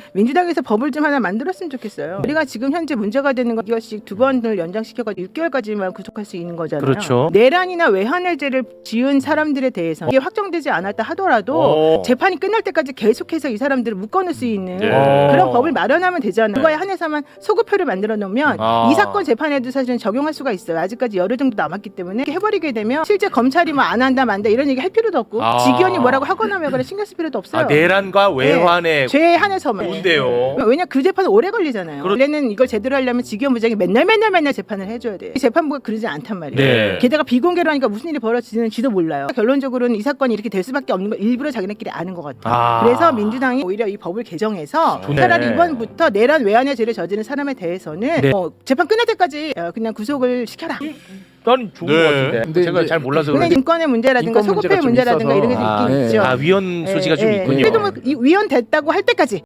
민주당에서 법을 좀 하나 만들었으면 좋겠어요. 우리가 지금 현재 문제가 되는 건 이것씩 2번을 연장시켜가지고 6개월까지만 구속할 수 있는 거잖아요. 그렇죠. 내란이나 외환해제를 지은 사람들에 대해서 이게 확정되지 않았다 하더라도 재판이 끝날 때까지 계속해서 이 사람들을 묶어놓을 수 있는 그런 법을 마련하면 되잖아요. 그거에 한해서만 소급표를 만들어 놓으면 이 사건 재판에도 사실은 적용할 수가 있어요. 아직까지 열흘 정도 남았기 때문에 이렇게 해버리게 되면 실제 검찰이 뭐 안 한다 만다 이런 얘기 할 필요도 없고 직위원이 뭐라고 하거나 말거나 신경 쓸 필요도 없어요. 내란과 외환의 죄에 한해서만. 좋은데요. 왜냐 그 재판은 오래 걸리잖아요. 원래는 이걸 제대로 하려면 직위원 부장이 맨날 재판을 해줘야 돼요. 재판부가 그러지 않단 말이에요. 네. 게다가 비공개로 하니까 무슨 일이 벌어지는지도 몰라요. 결론적으로는 이 사건이 이렇게 될 수밖에 없는 걸 일부러 자기네끼리 아는 것 같아요. 그래서 민주당이 오히려 이 법을 개정해서 차라리 이번부터 내란 외환의 죄를 저지른 사람에 대해서는 재판 끝날 때까지 그냥 구속을 시켜라. 난 좋은 것 같은데. 근데 제가 잘 몰라서 근데 그런지. 인권의 문제라든가 인권 문제가 소급의 좀 문제라든가 있어서. 이런 게 있긴 있죠. 위헌 소지가 좀 있군요. 그래도 뭐 위헌 됐다고 할 때까지